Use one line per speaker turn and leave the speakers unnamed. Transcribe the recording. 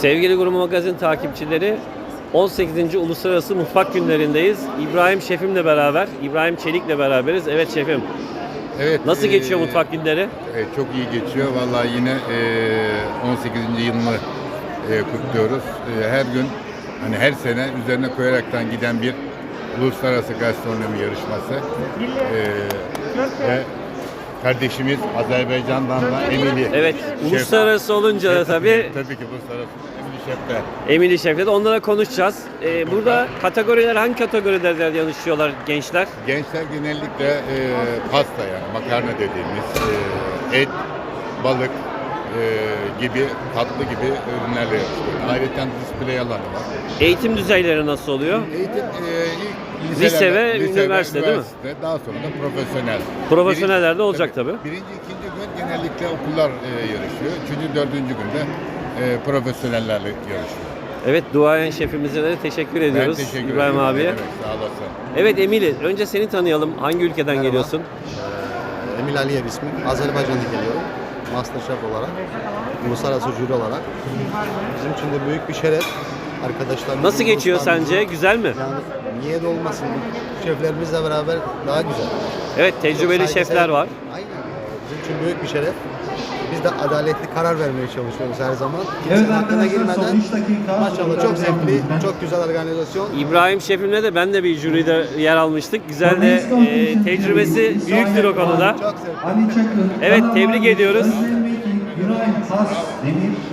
Sevgili Gurme Magazin takipçileri, 18. Uluslararası Mutfak Günlerindeyiz. İbrahim Şefimle beraber, İbrahim Çelik'le beraberiz. Evet şefim.
Evet.
Nasıl geçiyor mutfak günleri?
Çok iyi geçiyor. Vallahi yine 18. yılını kutluyoruz. Her gün, hani her sene üzerine koyaraktan giden bir uluslararası gastronomi yarışması. Ve kardeşimiz Azerbaycan'dan da Emili.
Evet,
Şef.
uluslararası olunca da tabii
Tabii ki uluslararası Emili Şef'te.
Emili Şef'le de onlara konuşacağız. Burada kategoriler, hangi kategorilerde yarışıyorlar gençler?
Gençler genellikle pasta, yani makarna dediğimiz et, balık gibi, tatlı gibi ürünlerle yapılıyor. Ayrıca display alanı var.
Eğitim düzeyleri nasıl oluyor?
Eğitim ilk
Lise ve üniversite değil mi?
Daha sonra da profesyonel.
Profesyonellerde olacak tabii.
Birinci, ikinci gün genellikle okullar yarışıyor. Üçüncü, dördüncü günde profesyonellerle yarışıyor.
Evet, duayen şefimize de teşekkür ediyoruz.
Ben teşekkür
İbrahim
ederim.
abiye.
Evet, sağ olasın.
Evet Emili, önce seni tanıyalım. Hangi ülkeden
Merhaba.
geliyorsun?
Emil Aliyev ismim. Azerbaycan'da geliyorum. Masterchef olarak, uluslararası jüri olarak. Bizim için de büyük bir şeref. Arkadaşlarımız.
Nasıl geçiyor sence? Güzel mi?
Yani niye de olmasın? Şeflerimizle beraber daha güzel.
Evet, tecrübeli
Çok
şefler
saygısal-
var.
Aynen. Bizim için büyük bir şeref. Biz de adaletli karar vermeye çalışıyoruz her zaman. Kimsenin hakkına girmeden. Maşallah çok zevkli, çok güzel organizasyon.
İbrahim şefimle de ben de bir jüride yer almıştık. Güzel de tecrübesi büyüktür o konuda.
Çok zevkli.
Evet, tebrik ediyoruz.
Güray Has Demir